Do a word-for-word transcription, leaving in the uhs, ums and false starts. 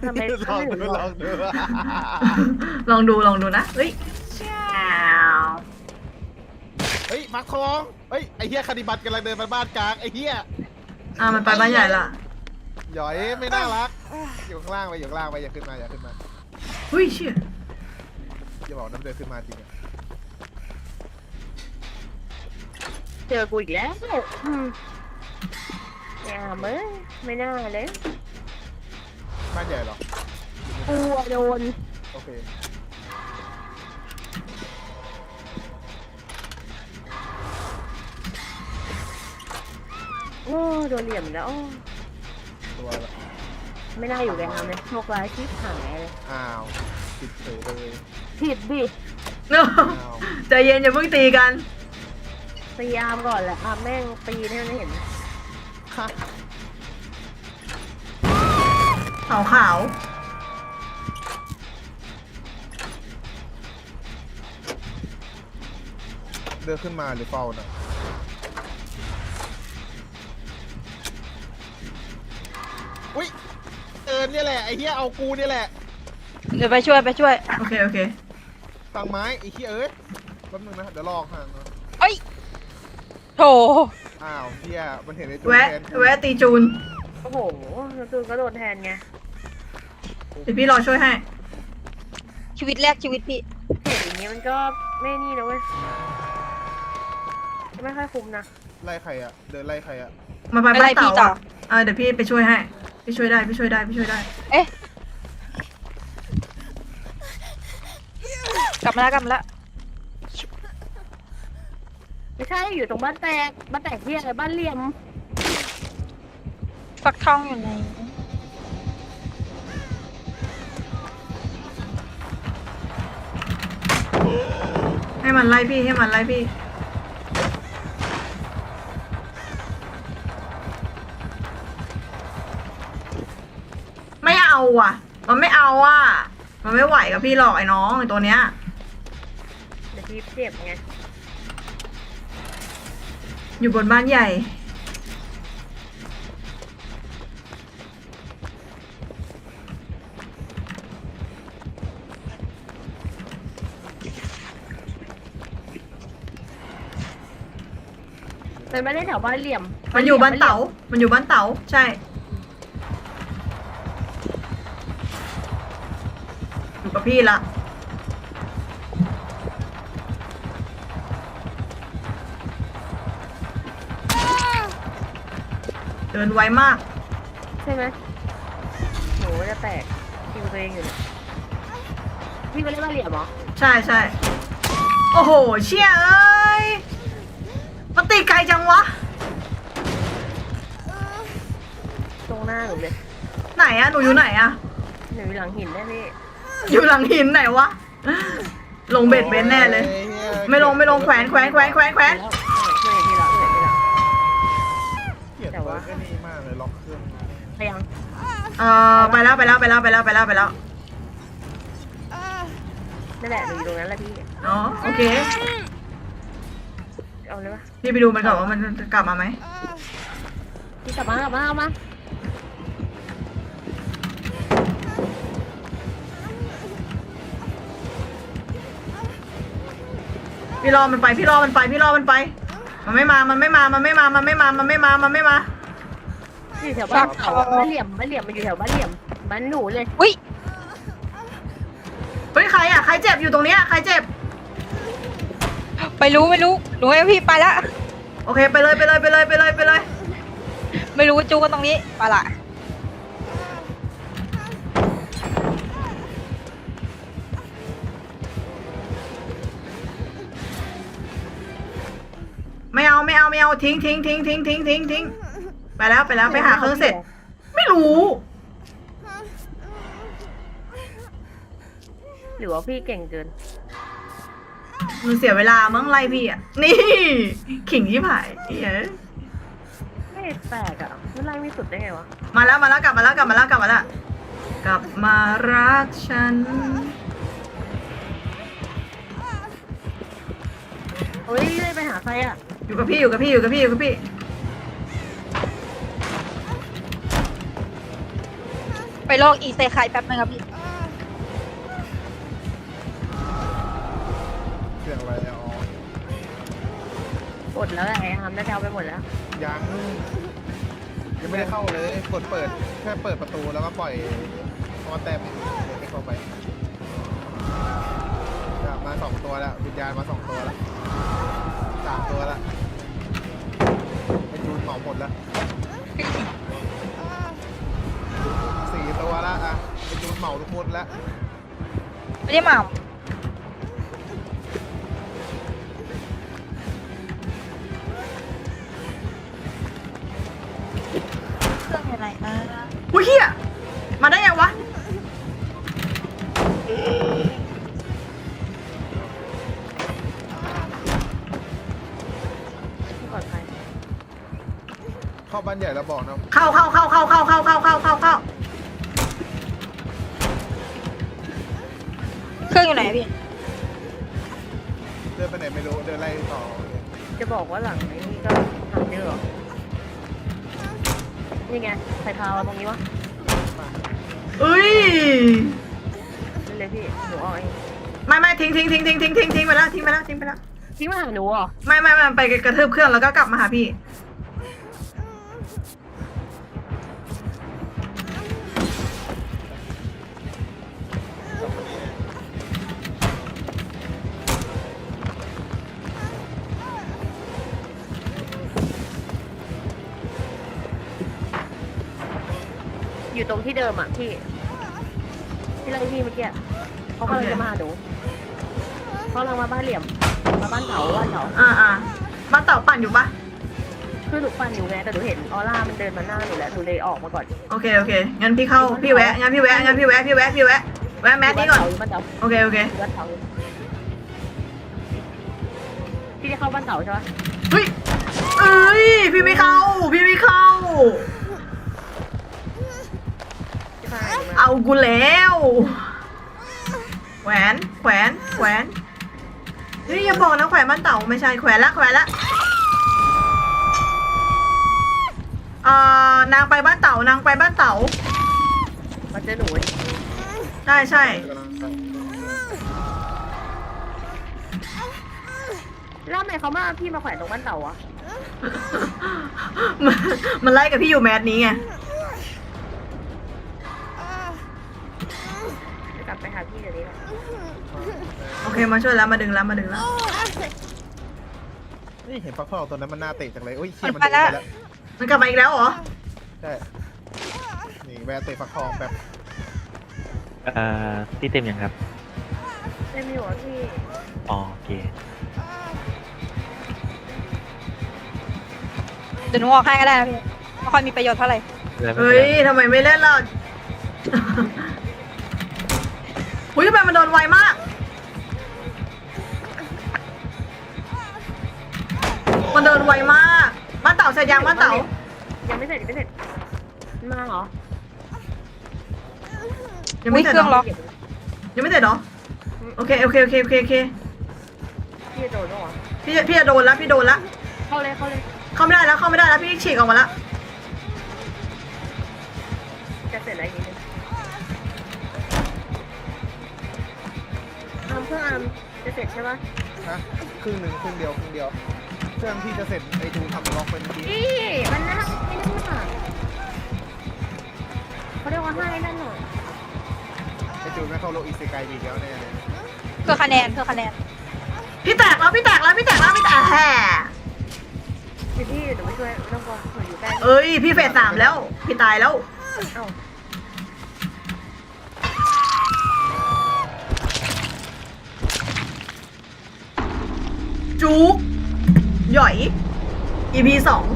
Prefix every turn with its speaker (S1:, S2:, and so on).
S1: ทำไม
S2: ลองดูลองดู
S3: ลองดูลองดูนะเฮ้ย
S2: เฮ้ยมาร์คทองเฮ้ยไอ้เหี้ยคานิบัตกำลังเดินมาบ้านกลางไอ้เหี้ย
S3: อ่ามันไปบ้านใหญ่ละ
S2: หยอยไม่น่ารักอยู่ข้างล่างไปอยู่ข้างล่างไปอย่าขึ้นมาอย่าขึ้นมา
S3: อุ้ยเชี่ย
S2: อย่าบอกน้ำเดินขึ้นมาจริงอะ
S1: เจอกูอีกแล้วอืมอย่าเมื่อไม่น่าเลย
S2: บ้านใหญ่เหรอ
S1: กูอะโดน
S2: โอเค
S1: โอ้โดนเหลี่ยมแล้ว
S2: ตัวละ
S1: ไม่น่าอยู่แกทำเลยโชคร้ายที่หายเลย
S2: อ้าวติดเฉยเลย
S1: ผิดดิ
S2: อ้าว
S3: ใจเย็นอย่าเพิ่งตีกัน
S1: ตีอาร์มก่อนแหละอาร์มแม่งตีให้มันไม่เห็น
S2: ฮะ
S3: ขาวขาว
S2: เดินขึ้นมาหรือเปล่าน่ะอุ้ยเอิญเนี่ยแหละไอ้เหี้ยเอากูเนี่ยแหละ
S4: เดี๋ยวไปช่วยไปช่วย
S3: โอเคโอเค
S2: ตังไม้ไอ้เหี้ยเอ้ยแป๊บนึงนะเดี๋ยวลอกห่างนะ
S4: เอ้ยโถ
S2: อ้าวเหี้ยมันเห็นในตัว
S3: แวะ
S2: ทนกู
S3: แวะตีจูน
S1: โอ้โหแล้วตูนก็โดนแทนไง
S3: เดี๋ยวพี่รอช่วยให้
S4: ชีวิตแรกชีวิตพี่
S1: เห็นอย่างนี้มันก็ไม่นี่นะเว้ยไม่ค่อยคุ้มนะ
S2: ไล่ใครอะเดินไล่ใครอะ
S3: มาไป
S4: ไม่
S3: บ้า
S4: ไล่
S3: นเต่า
S4: พี่ต่อ
S3: อ่ะเออเดี๋ยวพี่ไปช่วยให้พี่ช่วยได้พี่ช่วยได้พี่ช่วยได้
S4: เอ๊ะกลับมาแล้วกลับมาแล้ว
S1: ไม่ใช่อยู่ตรงบ้านแตกบ้านแตกที่อะไรบ้านเหลี่ยม
S4: ฟักทองอยู่ไหน
S3: ให้มันไล่พี่ให้มันไล่พี่ไม่เอาอ่ะ มันไม่เอาอ่ะ มันไม่ไหวกับพี่หรอกไอ้น้องไอ้ตัวเนี้ย
S1: เดี๋ยวพี่เจ็บไง
S3: อยู่บนบ้านใหญ่
S1: มันไม่ได้แถวบ้านเหลี่ยม
S3: มันอยู่บ้านเต๋า มันอยู่บ้านเต๋าใช่ อยู่กับพี่ละเดินไวมาก
S1: ใช่ไหมหนูจะแตกคิวตัวเองอยู่เนี่ยพี่ไปเล่นบ้านเหลี่ยมเหรอ
S3: ใช่ใช่โอ้โห เชี่ยเอ้ยมันตีไกลจังวะ
S1: ตรงหน้าหนูเลย
S3: ไหนอะหนูอยู่ไหนอะ
S1: หนูอยู่หลังหินแน่พี่
S3: อยู่หลังหินไหนวะ ลงเบ็ดเบนแน่เลย ไม่ลงไม่ลงแขวนแขวนแขวนแขวนแขวน
S1: แล้วเหนื่อยพี่ละเหนื่อยพี่ละ
S2: เกลียด
S1: แต่ว่า
S2: เวิร์กไอ้นี่มากเลยล็อกเครื่อง
S1: ไปยัง
S3: เออไปแล้วไปแล้วไปแล้วไปแล้วไปแล้วไปแล้ว
S1: นั่นแหละหนูอยู่ตรงนั้นแหละพี่
S3: อ๋อโอเค
S1: เอาเลยปะ
S3: พี่ไปดูมันก่อนว่ามันจะกลับมาไหม
S1: พี่กลับมากลับมาเอามา
S3: พี่รอมันไปพี่รอมันไปพี่รอมันไป มันไม่มา มันไม่มา มันไม่มา มันไม่มา มันไม่มา มันไม่มา
S1: อยู่แถวบ้านเขาบ้านเหลี่ยมบ้านเหลี่ยมมันอยู่แถวบ้านเหลี่ยมบ้านหนูเลย
S4: อุ้ย
S3: เฮ้ยใครอะใครเจ็บอยู่ตรงเนี้ยใครเจ็บ
S4: ไม่รู้ไม่รู้หนูให้พี่ไปละ
S3: โอเคไปเลยไปเลยไปเลยไปเลยไปเลย
S4: ไม่รู้จูกันตรงนี้ไปละ
S3: ไม่เอาไม่เอาไม่เอาทิ้งทิ้งทิ้งทิ้งทิ้งทิ้งทิ้งไปแล้วไปแล้วไปหาเครื่องเสร็จ ไม่รู้
S1: หรือว่าพี่เก่งเกิน
S3: มันเสียเวลามั้งไล่พี่อ่ะ นี่ขิงที่ผายเหี้ย
S1: ไม่แปลกอ่ะมันไล่ไม่สุดได้ไงวะ
S3: มาแล้วมาแล้วกลับมาแล้วกลับมาแล้วกลับมาแล้วกลับมารักฉัน
S1: เฮ้ยเลยไปหาใครอ่ะ
S3: อยู่กับพี่อยู่กับพี่อยู่กับพี่อยู่กับพี่
S4: ไปลอกอีเซคายแป๊บนึงครับพี่
S2: เครื่องอะไรอ๋อ
S1: หมดแล้วแหละไอ้ฮัมน่าจะเอาไปหมดแล้ว
S2: ยังยังไม่ได้เข้าเลยกดเปิดแค่เปิดประตูแล้วก็ปล่อยคอแต้มเดี๋ยวไม่เข้าไปมาสองตัวแล้ววิญญาณมาสองตัวแล้วสามตัวแล้วไอ้จูนเหมาหมดแล้วสี่ตัวแล้วอ่ะไอ้จูนเหมาทุกคนแล้ว
S4: ไม่ได้เหมาเครื่องอยู่ไหนนะ
S3: อุ้ยเฮียมาได้ยังวะ
S1: ที่ปลอดภัย
S2: เข้าบ้านใหญ่แล้วบอกนะ
S3: เข้าเข้าเข้าเข้าเข้าเข้าเข้าเข้าเข้าเข้า
S4: เครื่องอยู่ไหนพี่
S2: เดินไปไหนไม่รู้เดินไล่ต่อ
S1: จะบอกว่าหลังนี้ก็หาเจอเหรอนี่ไงใส่พาวตรงนี้วะ
S3: เอ้ย
S1: นี่เลยพี่หนูเอาเอง
S3: ไม่ไม่ทิ้งทิ้งทิ้งทิ้งทิ้งทิ้งทิ้งไปแล้วทิ้งไปแล้วทิ้งไปแล้ว
S1: ทิ้งมาหาหนูเหรอ
S3: ไม่ไม่ไม่ไปกระทืบเครื่องแล้วก็กลับมาหาพี่
S1: อยู่ตรงที่เดิมอ่ะพี่ที่ไล่พี่เมื่อกี้เขากำลังจะมาหาหนูเขากำลังมาบ้านเหลี่ยมมาบ้านเถาบ้านเถา
S3: อ่าอ่าบ้านเต่าปั่นอยู่ปะ
S1: คือหนูปั่นอยู่ไงแต่หนูเห็นออร่ามันเดินมาหน้าหนูแล้วหนูเลยออกมาก่อน
S3: โอเคโอเคงั้นพี่เข้าพี่แวะงั้นพี่แวะงั้นพี่แวะพี่แวะพี่แวะแวะแมสนี้ก่อน
S1: บ้านเถา
S3: โอเคโอเค
S1: บ้านเถาพี่ได้เข้าบ้านเถาใช่ไหม
S3: เฮ้ยเอ้ยพี่ไม่เข้าพี่ไม่เข้า
S1: ใช่
S3: เอากูแล้วแขวนแขวนแขวนเฮ้ยอย่าบอกนะแขวนบ้านเต่าไม่ใช่แขวนละแขวนละเอ่อนางไปบ้านเต่านางไปบ้านเต่า
S1: มาเจอหนู
S3: ใช่ใช่
S1: แล้วทำไมเขามาพี่มาแขวนตรงบ้านเต่าอะ
S3: มันมันไล่กับพี่อยู่แมสนี้ไง
S1: จะกลับไปหาพี่เดี๋ยวนี้แหละ
S3: โอเคมาช่วยแล้วมาดึงแล้วมาดึงแล้ว
S2: นี่เห็นฟักทองตัวนั้นมันน่าเตะจังเลยโอ้ยเขี้ย
S4: มั
S2: มัน
S4: นไป
S2: เดิน
S4: แล้ว
S2: ไปแล้ว
S3: มันกลับมาอีกแล้วเหรอ
S2: ใช่นี่แวะเตะฟักทองแบบ
S5: เอ่อที่เต็มยังครับ
S1: เล่นไม่อยู่อะพี่
S5: อ๋อโอเค
S4: เดี๋ยวหนูออกให้ก็ได้นะพี่ไม่ค่อยมีประโยชน์เท่าไหร่
S3: เฮ้ยทำไมไม่เล่นล่ะ หุ้ยทำไมมันโดนไวมาก มันเดินไวมากบ้านเต่าเสร็จยังบ้านเต่า
S1: ยังไม่เสร็จยังไม่เสร็จมันมาเหรอ
S3: ยังไม่เสร็จ
S4: อุ๊ยเครื่อง
S3: เหร
S4: ล็
S3: อ
S4: อก
S3: ยังไม่เสร็จเหรอ โอเคโอเคโอเคโอเคโอเค
S1: พี่จะโดนแล้วเหรอ
S3: พี่พี่จะโดนแล้วพี่โดนแล้ว
S1: เข้าเลยเข้าเลย
S3: เข้าไม่ได้แล้วเข้าไม่ได้แล้วพี่ฉีกออกมาแล้ว
S1: จะเสร็จแล้วอีกนิดนึงอาร์มเครื่องอาร์มจะเสร็จใช่ปะ
S2: นะครึ่งหนึ่งครึ่งเดียวครึ่งเดียวเครื่องที่จะเสร็จไอ้จูนทำล็อกไปเมื่อกี้
S1: พี่มันน่าไม่นั่นน่ะเขาเรียกว่าให้นั่นหน่อย
S2: ไอ้จูนไม่เข้าโลกอีเซไกดีแล้วแน่เลย
S4: เพื่อคะแนนเพื่อคะแนน
S3: พี่แตกแล้วพี่แตกแล้วพี่แตกแล้วพี่แตกแห่
S1: เดี๋ยวพี่เดี๋ยวไปช่วยไม่ต้องกลัวหนูอยู่ใกล้
S3: เอ้ยพี่เฟสสามแล้ว พี่ตายแล้ว
S1: เอ้า
S3: จุกหย่อย อี พี สอง